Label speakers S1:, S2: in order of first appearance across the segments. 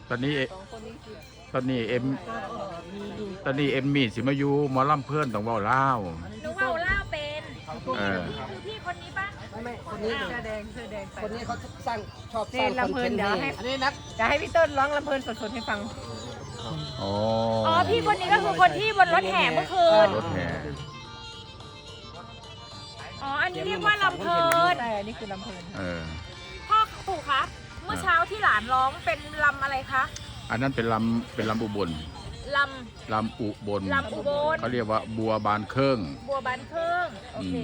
S1: ตอนนี้
S2: สองคนนี้คือ
S1: ตอนนี้เอ็ม
S2: มีดู
S1: ตอนนี้เอ็มมี่สิมาอยู่หมอลำเพื่อนต้องเว้าลาว
S3: หนูเว่าเล่าเป็น
S1: เออ
S3: นี่คือพี่คนนี้ปะ
S2: ไม่คนนี้
S3: อ้าว
S2: เสื้อแดงเสื้อแดงไป
S4: คนนี้เขาสร้างชอบส
S2: นี่
S4: ร้างคอน
S2: ลำเพลิ
S4: เท
S2: น
S4: นต์
S2: เดี๋ยวให้
S4: อันนี้นัก
S2: จะให้พี่ต้นร้องลำเพลินสดๆให้ฟัง
S1: อ๋อ
S3: อ๋อพี่คนนี้ก็คือคนที่บนรถแห่เมื่อคืน
S1: รถแห่
S3: อ๋ออันนี้เรียกว่าลำเพลิน
S2: แต่อันนี้คือลำเพลิน
S1: เออ
S3: พ่อปู่คะเมื่อเช้าที่หลานร้องเป็นลำอะไรคะ
S1: อันนั้นเป็นลำอุบล
S3: ล
S1: ลำอุบล
S3: ลำอุบล
S1: เขาเรียกว่าบัวบานเครื่อง
S3: ำบัวบานเครื่องโอเค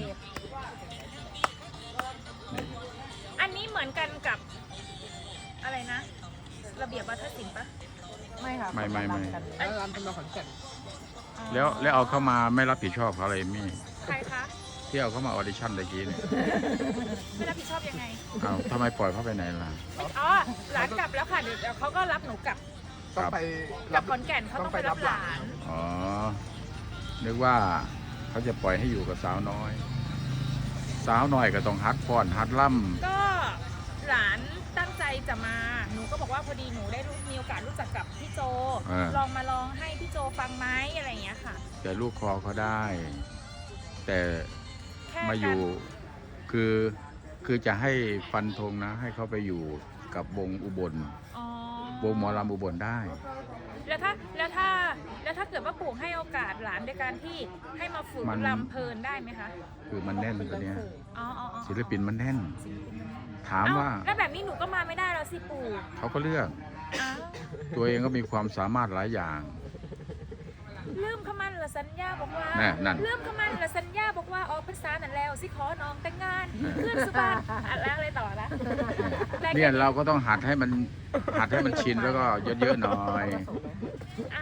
S1: นี่
S3: อันนี้เหมือนกันกับอะไรนะ ระเบียบวัฒนศิลป์ปะ
S2: ไม่ค่ะ
S1: ไม่
S4: แล้วร้านเป็นมาขอนแก่น
S3: อ๋อ
S1: แล้วเอาเข้ามาไม่รับผิดชอบเขาอะไรมี่
S3: ใครคะ
S1: ที่เอาเข้ามาออดิชั่นตะกี้เนี่ย
S3: ไม่รับผิดชอบยังไง
S1: เอาทำไมปล่อยเขาไปไหนล่ะ
S3: อ๋อหลานกลับแล้วค่ะเดี๋ยวเขาก็รับหนูกลับ
S4: ต้องไป
S3: กลับขอนแก่นเขาต้องไปรับหลาน
S1: อ๋อ นึกว่าเขาจะปล่อยให้อยู่กับสาวน้อย สาวน้อยก็ต้องฮัดฟ้อนฮัดล่
S3: ก็หลานตั้งใจจะมา หนูก็บอกว่าพอดีหนูได้มีโอกาสรู้จักกับพี่โจ ลองมาลองให้พี่โจฟังไหมอะไรอย่างเงี้ยค่ะ
S1: ำแต่ลูกคอเขาได้ แต่
S3: แค่
S1: มาอยู่ คือจะให้ฟันธงนะ ให้เขาไปอยู่กับวงอุบล
S3: อ๋อ
S1: วงหมอลำอุบลได้
S3: แล้วถ้าเกิดว่าปู่ให้โอกาสหลานในการที่ให้มาฝึก
S1: มัน
S3: ลำเพลินได้ไหมคะ
S1: คือมันแน่นตัวเนี้ย
S3: อ๋ออ๋ออ๋อ
S1: ศิลปินมันแน่น ถาม
S3: เอ้
S1: ว่า
S3: แล้วแบบนี้หนูก็มาไม่ได้แล้วสิปู่
S1: เขาก็เลือก
S3: อ้าว
S1: ตัวเองก็มีความสามารถหลายอย่าง
S3: ลืมขมันละสัญญาบอกว่า
S1: นั่น
S3: ลืมขมันละสัญญาบอกว่าออกพรรษานั่นแล้วสิขอน้องแต่งงานเพื่อนสุพรรณอ่ะแล้วอะไรต่อละได้
S1: เนี่ย
S3: แค่
S1: เราก็ต้องหัดให้มันชินแล้วก็เยอะๆหน่อย
S3: อ่า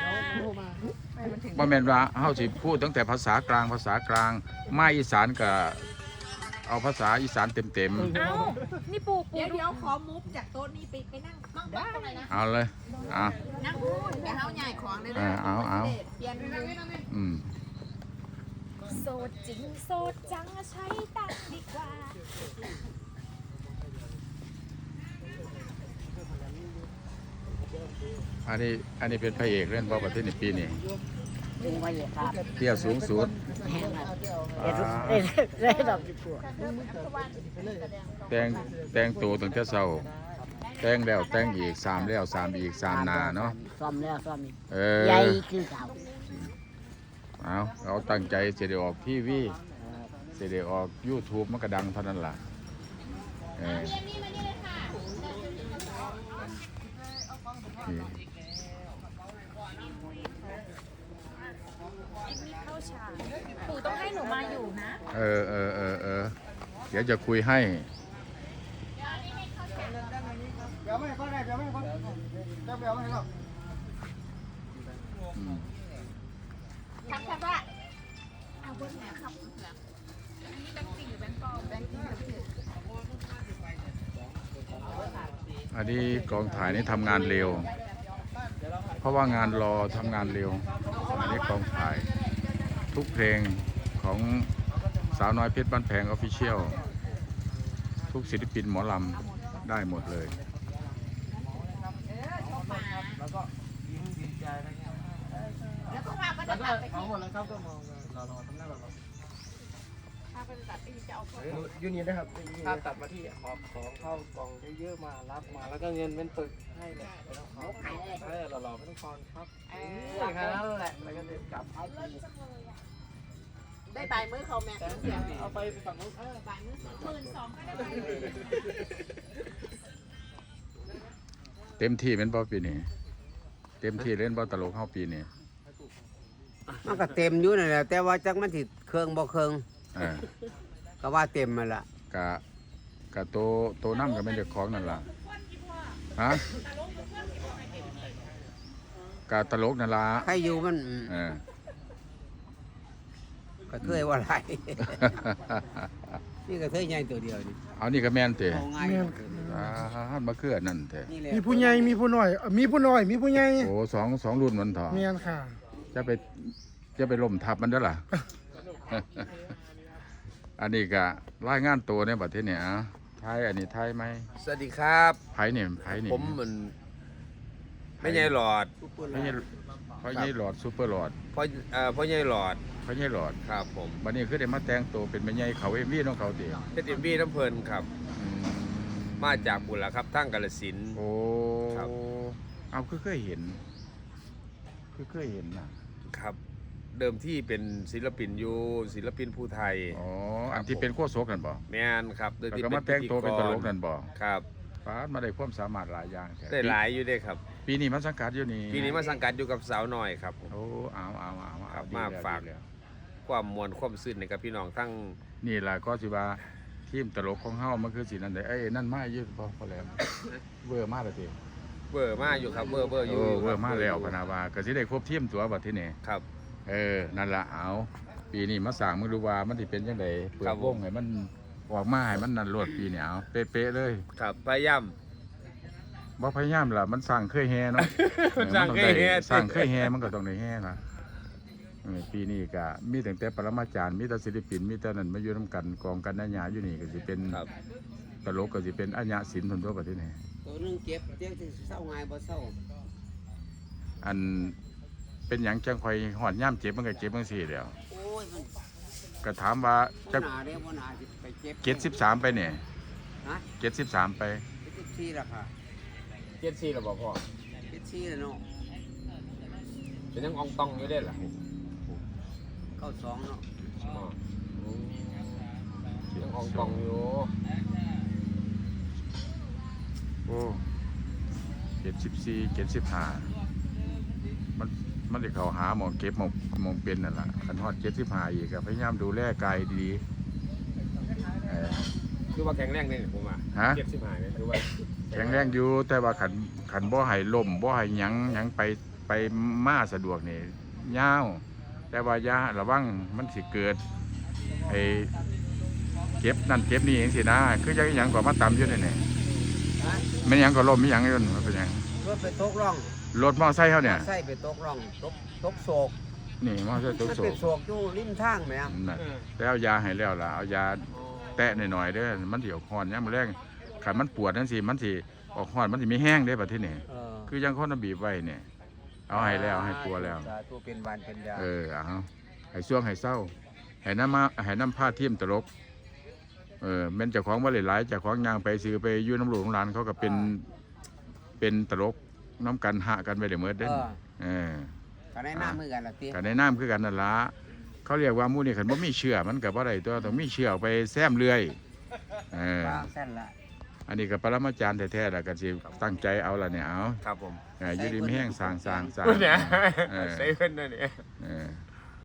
S1: ว่าแม่นว่าเฮาสิพูดตั้งแต่ภาษากลางมาอีสานก็เอาภาษาอีสานเต็ม
S3: เอ้านี่ปู่
S5: เดี๋ยวขอมุฟจากโต๊ะนี้ไปนั่งมั่งตรงไหนนะ
S1: ๆเอาเลยอ่ะ
S5: นั่งพูดเดี๋ยวเฮาใหญ่ของเลยนะ
S1: เอา
S5: เปลี่ยนมุม
S1: อืม
S3: โสดจริงโสดจังใช้ตังค์ดีกว่า
S1: อันนี้เป็นพระเอกเล่นบอลประเทศในปีนี้
S4: ถึงวันเลยครับ
S1: เที่ยวสูงสุด
S4: แห้งครับ
S1: อ่า
S4: ได้ดอกจิ๋ว
S1: แต่งตัวตั้งแต่เช้าแต่งแล้วแต่งอีก3แล้ว3อีก3นาเนาะ
S4: ซ่อมแล้วซ่อมอีก
S1: เอ
S4: ใหญ่
S1: อ
S4: คือเก่า
S1: เอาตั้งใจเสียได้ออกทีวีเสียได้ออก YouTube มันก็ดังเท่านั้นล่ะเออนี่
S3: เอ็มมี่เข้าฉากปู่ต้องให้หนูมาอยู่นะ
S1: เออเดี๋ยวจะคุยให้
S4: เดี๋ยวไม่ก็ได้เดี๋ยวไม่ก็เดี๋ยวไม่ก็
S1: อืม
S5: ทักทายว่าเอาบนแหนครับ
S3: อันนี้แบงค์จริงหรือแบงค์ปลอมแบงค์จริงหรือ
S1: อันนี้กองถ่ายนี่ทำงานเร็ว เพราะว่างานรอทำงานเร็ว อันนี้กองถ่ายทุกเพลงของสาวน้อยเพชรบ้านแพงออฟฟิเชียลทุกศิลปินหมอลำได้หมดเลย
S4: แล้วก็ยิ้มดีใจนะครับ
S5: แล้วก็ว่าก็
S4: แล้
S5: จะ
S4: วก็
S5: ตัดไป
S4: เอาหมดแล้วครับก็มองเราทำหน้าเรา
S5: ถ้าก็จะตัดไปจะเอาคน
S4: ยูนี่นะครับถ้าตัดมาที่หอบของเข้ากล่องเยอะๆมารับมาแล้วก็เงินเป็นปึกให้เลยไม่ต้องขอหล่อๆไม่ต้องคอนครับแค่นั้นแหละแล้วก็เดินกลับ
S5: ได้ปลายมือเขาแม่
S4: เอาไปฝั่งนู้น
S5: ปลายมือ
S3: 12,000ก็ได้ไหม
S1: เต็มที่เป็นบ่ปีนี้เต็มที่เล่นบ่ตลกเข้าปีนี้
S6: มันก็เต็มอยู่นั่นแหละแต่ว่าจักมันสิเครื่องบ่เครื่อง
S1: เออ
S6: ก็ว่าเต็มมาละ
S1: กะโตน้ำกับเป็นเด็กของนั่นล่ะฮะกะตลกนั่นล่ะ
S6: ใครอยู่มัน
S1: เออ
S6: ก็เคยว่าไร นี่ก็เคยใหญ่ตัวเดียวนี่
S1: เอานี่ก็แม่นเตะ
S6: เอาง่าย
S1: ฮันมาคืออันนั่นเตะ
S6: นี่แหละ
S7: มีผู้ใหญ่มีผู้น้อยมีผู้น้อยมีผู้ใหญ่
S1: โอ้สองรุ่นมันเถอะ
S7: เมียนค่ะ
S1: จะไปล่มทับมันเด้อล่ะ อันนี้ก็รายงานตัวในประเทศเนี่ยไทยอันนี้ไทยไหม
S8: สวัสดีครับ
S1: ไผเนี่ยไผเนี่ย
S8: ผมเหมือนไม่ใหญ่หลอด
S1: พ่อใหญ่พ่อใหญ่หลอดซูเปอร์หลอด
S8: พ่อใหญ่หลอด
S1: พ่อใหญ่หลอด
S8: ครับผม
S1: บัดนี้คือได้มาแต่งตัวเป็นแม่ใหญ่เขาเอ็มวีของเขาติ
S8: เฮ็ด MV น้ำเพิ่นครับ
S1: อืม
S8: มาจากบุรีครับทั้งกาฬสินธุ์
S1: โอ้
S8: ครับ
S1: เอาคือเคยเห็นนะครับ
S8: เดิมที่เป็นศิลปินอยู่ศิลปินผู้ไทย
S1: อ๋อ
S8: ครับ
S1: อันที่เป็นโคโซกกันบ่
S8: แม่นครับโดย
S1: แล้ว
S8: ที่
S1: ก็มาแต่งตัวเป็นตลกนั่นบ่
S8: ครับ
S1: ฟาดมาได้ความสามารถหลายอย่างแท้
S8: ได้หลายอยู่เด้ครับ
S1: ปีนี้มาสังกัดอยู่นี่
S8: ปีนี้มาสังกัดอยู่กับสาวน้อยครับผม
S1: โอ้เอา
S8: ครับ
S1: ดี
S8: มา
S1: แล้ว
S8: ฝาก
S1: ดีแล้ว
S8: ความมวลความซื่นในกับพี่น้องทั้ง
S1: นี่ล่ะก็สิว่าทีมตลกของเฮามันคือสินั่นได้เอ้ยนั่นมาอยู่พอแล้ว เวอร์มาแล้วติ
S8: เบอร์มาอยู่ครับเบอร์อยู่
S1: เวอ
S8: ครับ
S1: ร์มาแล้วพะนาว่าก็สิได้ครบทีมตัวบัดทีนี้
S8: ครับ
S1: นั่นล่ะเอาปีนี้มาสร้างมึงดูว่ามันสิเป็นจังไดเปิ
S8: ครั
S1: ด
S8: บ
S1: วงให้มันออกมาให้มันนั่นรวดปีนี้เอาเป๊ะๆเลย
S8: ครับพยายาม
S1: บ่พยายามล่ะมันสร้างเคยแฮเนาะ
S8: สร้างเคยแฮ
S1: สร้างเคยแฮมันก็ต้องได้แฮล่ะปีนี้ก็มีตั้งแต่ปรมาจารย์มีแต่ศิลปินมีแต่นั่นมาอยู่นํกันกองกันนัญญาอยู่นี่ก็สิเป็น
S8: ครับ
S1: ตลกก็สิเป็นอัญญะศิลป์ทนตัวประเทศนี้
S6: ตัวหนึงเจ็บเจ็บสิเศร้าง่ายบ่เศร้า
S1: อันเป็นหยังจังคอยหอดย่ำเจ็บมันก็เจ็บจังซี่แหล้ว
S6: โอ้ยมัน
S1: ก็ถามว่า
S6: บ่
S1: จะ
S6: หนาเด้บ่หนาสิไปเจ็บ
S1: เจ็ด13ไปเนี่ย
S6: ฮะ
S1: 73ไป
S6: 74ล่ะค่ะ
S8: 74แล้วบ่พ่อ
S6: 74แล้วเนาะ
S8: เป็นยังอองตองอยู่ได้ล่ะ
S6: 92เนาะ
S8: ยังอองตองอยู่
S1: โอ้74 75มันได้เข้าหาหมองเก็บหมองเป็นนั่นล่ะคันฮอด75อีกก็พยายามดูแลกายดีๆ
S8: คือว่าแข็งแรงนี่ผมว่า
S1: ฮะ
S8: 75นี่คือว่า
S1: แข็งแรงอยู่แต่ว่าขันบ่ให้ล่มบ่ให้หยังไปมาสะดวกนี่ยาวแต่ว่ายาระวังมันสิเกิดไอ้เจ็บนั่นเจ็บนี่จังซี่นะคือจังหยังก็มาตำอยู่นี่นี่
S6: ฮะ
S1: มันหยังก็ล่มมีหยังอยู่นั่นมันเป็นหยัง
S6: รถไปตกร่อง
S1: รถมอไซค์เฮาเนี่ย
S6: ใส่ไปตกร่องตกโศก
S1: นี่มอไซค์ตุก
S6: มัน
S1: โศ
S6: เป็น
S1: ก
S6: โศกอยู่ริมทางแหม
S1: นั่นแล้วเอายาให้แล้วล่ะเอายาแตะหน่อยๆเด้อมันสิออกฮ้อนยามมื้อแลงคันมันปวดจังซี่มันสิออกฮ้อนมันสิมีแห้งเด้บัดทีนี้ คือยังคนน่ะบีบไว้เนี่ยเอาให้แล้วให้ปัวแล้ว
S6: สาธุเป็นวันเป็นยา
S1: เอาให้ช่วงให้เศร้าให้น้ำผ้าเทียมตลกแม่นเจ้าของว่าหลายๆเจ้าของยางไปซื้อไปอยู่น้ำหลวงร้านเขาก็เป็นตลกน้ำกันหะกันไปเดี๋ยวเมื่อเด่น
S6: ก็ได้น้ำมือกันละติ
S1: กันในน้ำคือกันนั่นละเขาเรียกว่าหมู่นี่ขันบ่มีเชื่อมันกับว่าไรตัวต้องมีเชื่อไปแซมเรื่อย
S6: วางเส้นละ
S1: อันนี้ก็ปรมาจารย์แท้ๆแล้วกันสิตั้งใจเอาละเนี่ยเอา
S8: ครับผม
S1: อยู่ดีไม่แห้งสร้าง
S8: เนี่ยใส่เพิ่นนั่นนี่